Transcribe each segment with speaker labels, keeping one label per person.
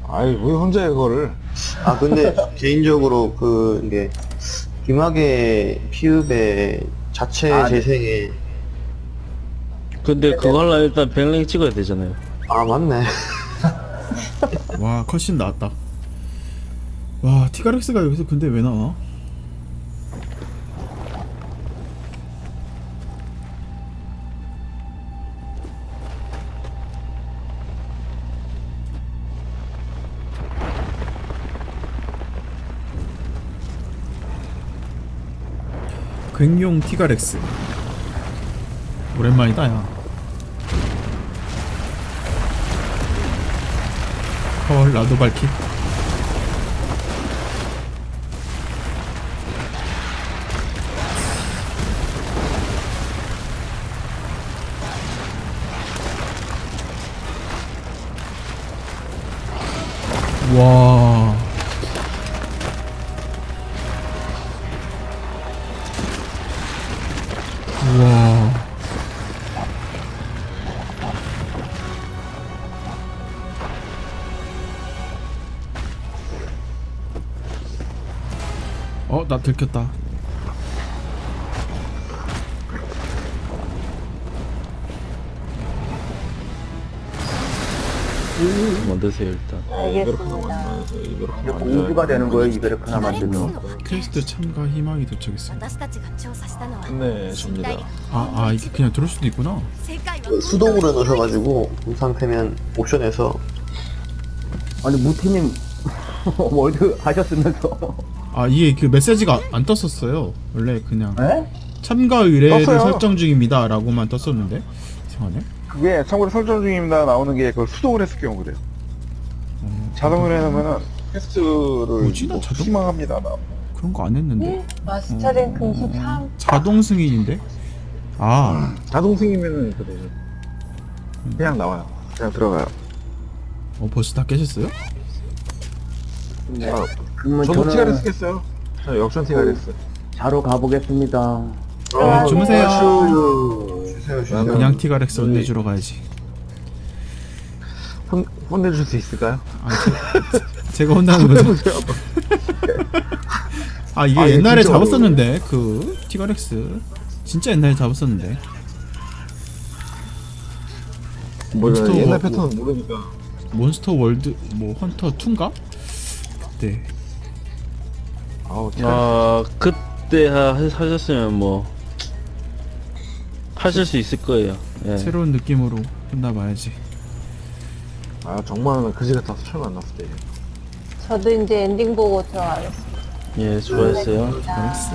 Speaker 1: 아이 왜 혼자 해 그거를.
Speaker 2: 아 근데 개인적으로 이게 김학의 피읍의 자체
Speaker 3: 아, 네.
Speaker 2: 재생에
Speaker 4: 근데 그거 하려면 일단 100랭 찍어야 되잖아요.
Speaker 2: 아 맞네.
Speaker 5: 와 컷신 나왔다. 와 티가렉스가 여기서 근데 왜 나와? 괭용 티가렉스 오랜만이다 야. 헐 나도 밝히. 와. 우와. 나 들켰다.
Speaker 4: 만드세요 일단.
Speaker 3: 알겠습니다.
Speaker 1: 이렇게
Speaker 3: 이제 공주가 되는 거예요, 이거를 하나 만들면.
Speaker 5: 퀘스트 참가 희망이 도착했어.
Speaker 6: 私たちが調査したのは
Speaker 1: 네 접니다.
Speaker 5: 이게 그냥 들을 수도 있구나.
Speaker 6: 世界は
Speaker 2: 수동으로 넣으셔가지고 이 상태면 옵션에서
Speaker 3: 아니, 무태님, 월드 하셨으면서.
Speaker 5: 이게 그 메시지가 안 떴었어요. 원래 그냥
Speaker 3: 에?
Speaker 5: 참가 의뢰를
Speaker 1: 떴어요.
Speaker 5: 설정 중입니다 라고만 떴었는데 이상하네.
Speaker 1: 그게 참고로 설정 중입니다 나오는 게 그걸 수동으로 했을 경우 그래요. 자동으로 해놓으면은 퀘스트를
Speaker 5: 뭐지? 나 자동-
Speaker 1: 희망합니다 나.
Speaker 5: 그런 거 안 했는데.
Speaker 7: 마스터 랭크 23.
Speaker 5: 자동 승인인데.
Speaker 1: 자동 승이면은 그래요. 그냥 나와요. 그냥 들어가요.
Speaker 5: 벌써 다 깨셨어요?
Speaker 3: 그러면
Speaker 1: 저도
Speaker 3: 저는
Speaker 1: 티가레스 깼어요. 저 역전 티가레스.
Speaker 3: 자러 가보겠습니다.
Speaker 5: 주무세요.
Speaker 2: 주세요.
Speaker 5: 그냥 티가렉스 혼내주러 가야지.
Speaker 1: 혼내줄 수 있을까요?
Speaker 5: 제가 혼나는 거죠. 이게
Speaker 1: 이게
Speaker 5: 옛날에
Speaker 1: 진짜
Speaker 5: 잡았었는데 그 티가렉스 진짜 옛날에 잡았었는데. 몬스터
Speaker 1: 옛날
Speaker 5: 뭐-
Speaker 1: 패턴은 모르니까.
Speaker 5: 몬스터 월드 뭐 헌터 2인가? 그때.
Speaker 1: 아우
Speaker 4: 그때 하셨으면 뭐 하실 수 있을 거예요. 예.
Speaker 5: 새로운 느낌으로 혼나봐야지.
Speaker 1: 정말은 그지 같아서 처음 만났을 때.
Speaker 7: 저도 이제 엔딩 보고 들어가겠습니다.
Speaker 4: 예, 수고했어요.
Speaker 5: 티가렉스.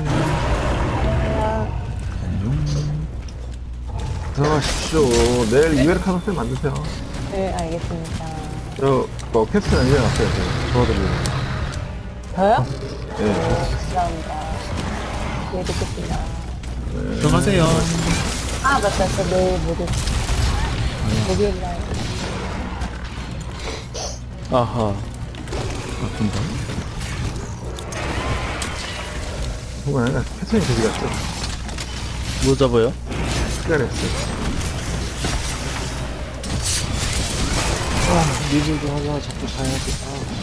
Speaker 5: 안녕.
Speaker 1: 들어가십시오. 내일 이베르카노스 만드세요.
Speaker 7: 네, 알겠습니다.
Speaker 1: 저 캡슐 안전에 왔어요. 도와드리고.
Speaker 7: 저요?
Speaker 1: 네.
Speaker 7: 네, 감사합니다. 네, 듣겠습니다.
Speaker 5: 들어가세요.
Speaker 7: 맞다. 저 내일 모레. 목요일날.
Speaker 4: 아하.
Speaker 5: 바쁜다.
Speaker 1: 혹은 아니라 패턴이 그지 같죠.
Speaker 4: 뭐 잡아요?
Speaker 1: 티가레스.
Speaker 4: 리뷰 좀 하려고 자꾸 가야지.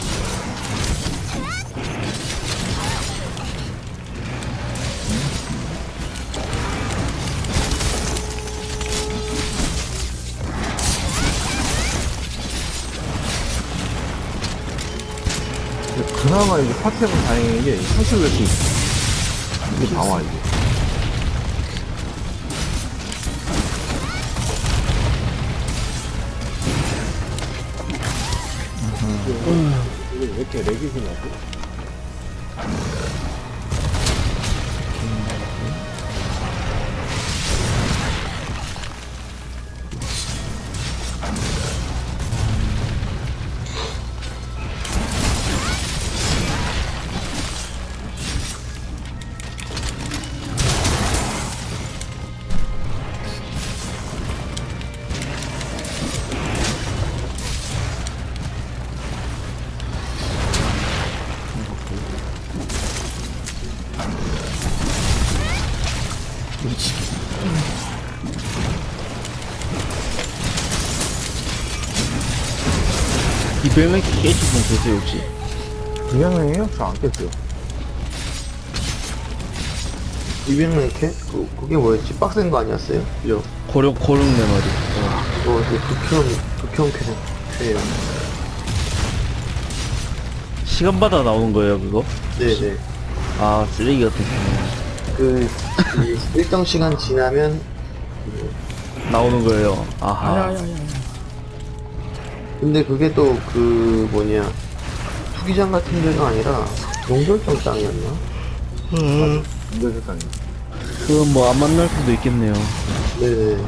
Speaker 1: 그나마 이제 파티하면 다행인 게 상식을 낼수 있어. 이게 나와 이게. 이게 왜 이렇게 렉이 그냐고?
Speaker 4: 200명 깨신 분 계세요 혹시?
Speaker 1: 200명이요? 저 안 깼어요.
Speaker 2: 200명 이렇게? 그게 뭐였지? 빡센 거 아니었어요? 그죠?
Speaker 4: 고령 네 마리.
Speaker 2: 그거 이제 극혐 쾌예요.
Speaker 4: 시간마다 나오는 거예요 그거?
Speaker 2: 네네.
Speaker 4: 아 쓰레기 같은
Speaker 2: 이 일정 시간 지나면
Speaker 4: 거 나오는 거예요. 아하.
Speaker 2: 근데 그게 또 그 뭐냐 투기장 같은 데가 아니라 용절정 땅이었나?
Speaker 1: 근데 세상에.
Speaker 4: 그건 뭐 안 만날 수도 있겠네요.
Speaker 2: 네네.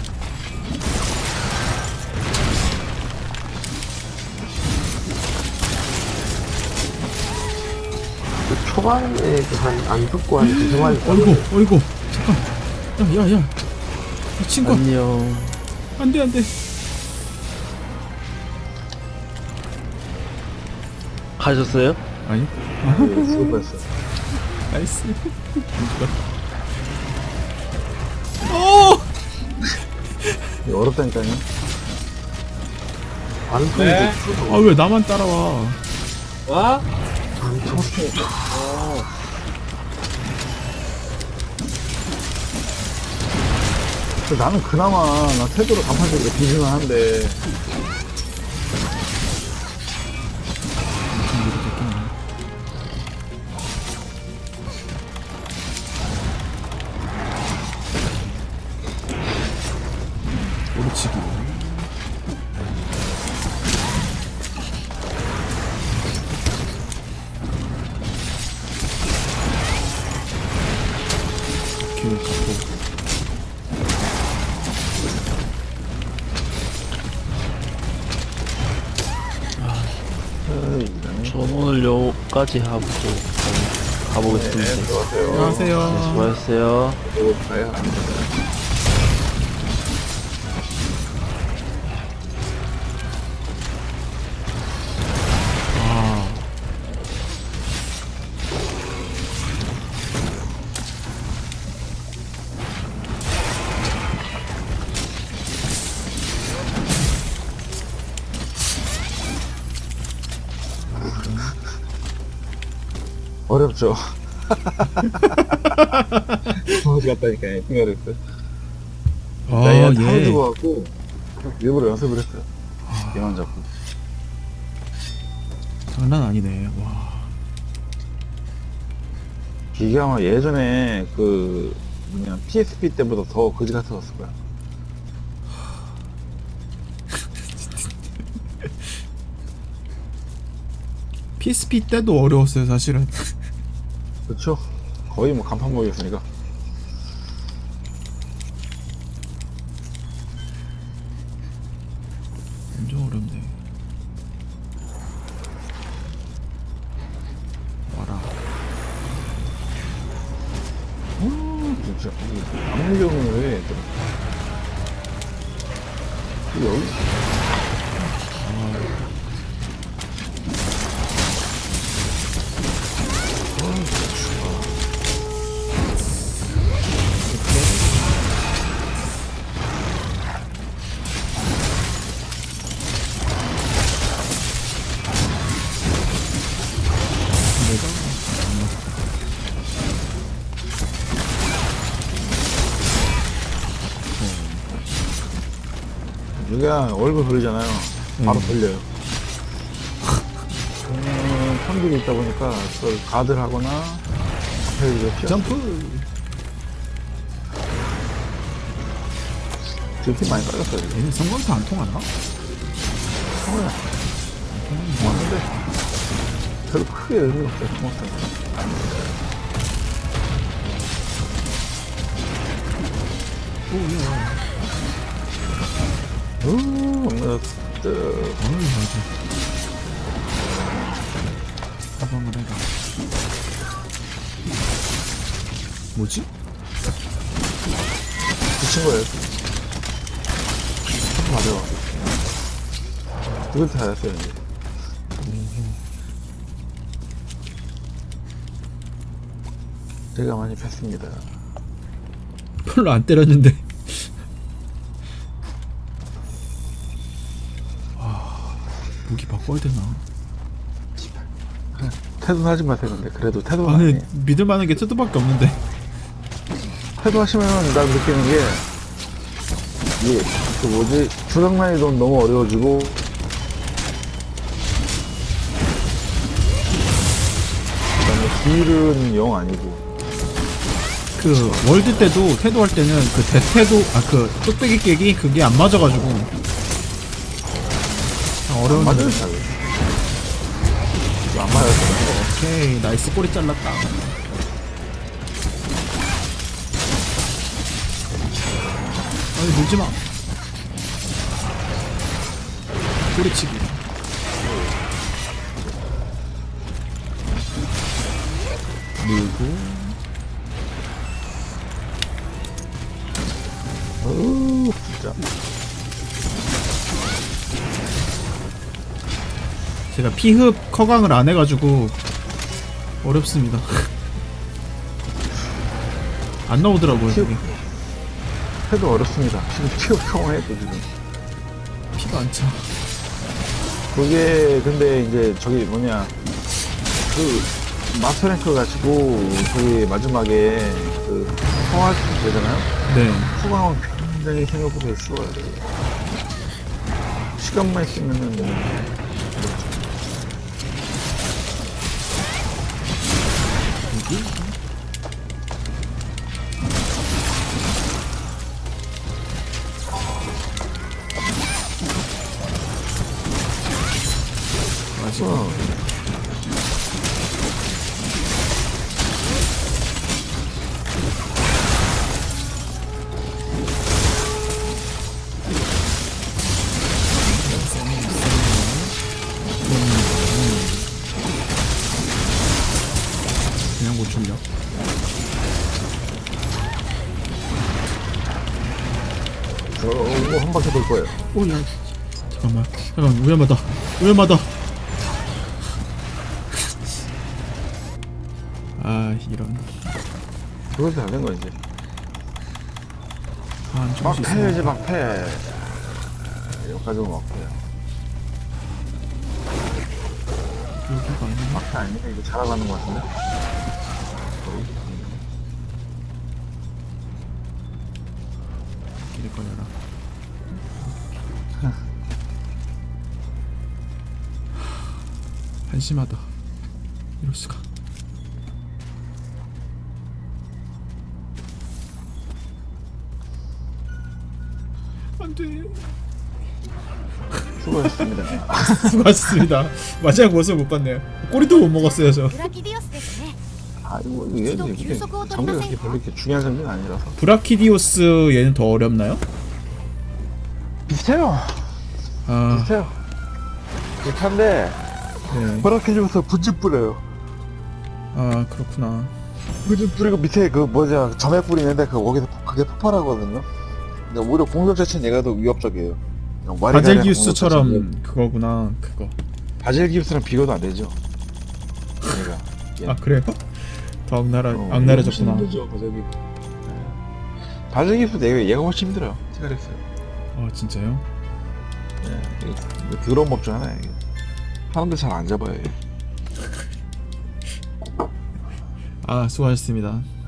Speaker 2: 그 초반에 안 듣고 한 두세 마리
Speaker 5: 어이구 잠깐 야야야 이 친구
Speaker 4: 안녕.
Speaker 5: 안돼 안돼
Speaker 4: 가셨어요?
Speaker 5: 아니
Speaker 1: 수고했어.
Speaker 5: 나이스 오
Speaker 1: 이거 어렵다니까요.
Speaker 2: 반통이
Speaker 1: 네.
Speaker 5: 아 왜 나만 따라와
Speaker 2: 반통
Speaker 1: 나는 그나마 나 태도로 간판적으로 비즈만 한데
Speaker 5: 오르치기 오케이 갖고
Speaker 4: 전 오늘 여기까지 하고 가보겠습니다.
Speaker 5: 안녕하세요
Speaker 4: 수고하셨어요.
Speaker 1: 이거 가야 어렵죠. 어디 갔다니까 생각을 했어요. 나이한 타고
Speaker 5: 아예
Speaker 1: 죽어갖고 일부러 연습을 했어요. 얘만 잡고.
Speaker 5: 장난 아니네 와
Speaker 1: 이게 아마 예전에 그 뭐냐 PSP 때보다 더 거지 같았을 거야.
Speaker 5: PSP 때도 어려웠어요 사실은
Speaker 1: 그렇죠? 거의 뭐 간판 모였으니까.
Speaker 5: 엄청 어렵네 와라
Speaker 1: 진짜 압력경은 왜 여기 여기가 얼굴 돌리잖아요. 바로 돌려요. 편들이 있다 보니까 그걸 가드를 하거나 앞에 이제 피어
Speaker 5: 점프
Speaker 1: 지금 많이 깔렸어요. 지금.
Speaker 5: 얘는 성광타 안 통하나?
Speaker 1: 맞는데 별로 크게 의미 없어요. 고맙습니다. 엄마 뜨.
Speaker 5: 어이 맞아 사방을 해라 뭐지?
Speaker 1: 붙인 거예요. 맞아. 이것도 잘했어요, 이제. 제가 많이 뺐습니다.
Speaker 5: 별로 안 때렸는데 무기 바꿔야 되나?
Speaker 1: 태도하지 마세요. 근데 그래도 태도가
Speaker 5: 아니
Speaker 1: 아니에요.
Speaker 5: 믿을 만한 게 테드밖에 없는데.
Speaker 1: 태도하시면 난 느끼는 게 이게 그 뭐지 주력난이 너무 어려워지고 그다음에 딜은 영 아니고
Speaker 5: 그 월드 때도 테드 할 때는 그 대테도 그 뚝배기 깨기 그게 안 맞아가지고 어려운.
Speaker 1: 맞아요 잘. 이거 안 맞아서
Speaker 5: 오케이 나이스 꼬리 잘랐다. 아니 물지마. 꼬리치기. 밀고.
Speaker 1: 어우 진짜
Speaker 5: 제가 피흡 커강을 안 해가지고 어렵습니다. 안 나오더라고요 여기.
Speaker 1: 태도 어렵습니다. 지금 피가 또 지금
Speaker 5: 피가 안 차.
Speaker 1: 그게 근데 이제 저기 뭐냐 그 마스터랭크 가지고 저기 마지막에 그 성할 수 되잖아요.
Speaker 5: 네.
Speaker 1: 후광은 굉장히 생각보다 쉬워요. 시간만 있으면은
Speaker 5: 맞아. 그냥 못 출력.
Speaker 1: 저거 한 바퀴 돌 거예요.
Speaker 5: 오야. 잠깐만. 위험하다. 위험하다. 아 이런.
Speaker 1: 그것도 잘된 거 이제.
Speaker 5: 안 좋을
Speaker 1: 막
Speaker 5: 수
Speaker 1: 패야지
Speaker 5: 있어.
Speaker 1: 막 패. 여기까지 막 패.
Speaker 5: 여기가 아니야.
Speaker 1: 막패 아니야? 이거 잘하가는 거 같은데?
Speaker 5: 길을 걸려라. 한심하다. 이럴 수가. 안돼.
Speaker 1: 수고하셨습니다.
Speaker 5: 수고하셨습니다. 마지막 모습 못 봤네요. 꼬리도 못 먹었어요 저.
Speaker 6: ブラキディオスですね
Speaker 1: 아이고 이게 장비가 그렇게 별로 이렇게 중요한 장비는 아니라서.
Speaker 5: 브라키디오스 얘는 더 어렵나요?
Speaker 1: 비슷해요.
Speaker 5: 아,
Speaker 1: 비슷해요. 비슷한데
Speaker 5: 네.
Speaker 1: 버럭해지면서 분집 뿌려요.
Speaker 5: 아 그렇구나.
Speaker 1: 분집 뿌리고 밑에 그 뭐냐 점액 뿌리는데 거기서 그게 폭발하거든요. 근데 오히려 공격 자체는 얘가 더 위협적이에요.
Speaker 5: 바젤기우스처럼 그거구나. 그거.
Speaker 1: 바젤기우스랑 비교도 안 되죠. 얘가.
Speaker 5: 아 그래요? 더 악랄해졌구나.
Speaker 1: 힘들죠, 바젤기우스 얘가 훨씬 힘들어요. 티가렉스.
Speaker 5: 진짜요?
Speaker 1: 네, 이게 더러운 법 중 하나예요. 이게. 사람들 잘 안 잡아요. 얘.
Speaker 5: 아 수고하셨습니다.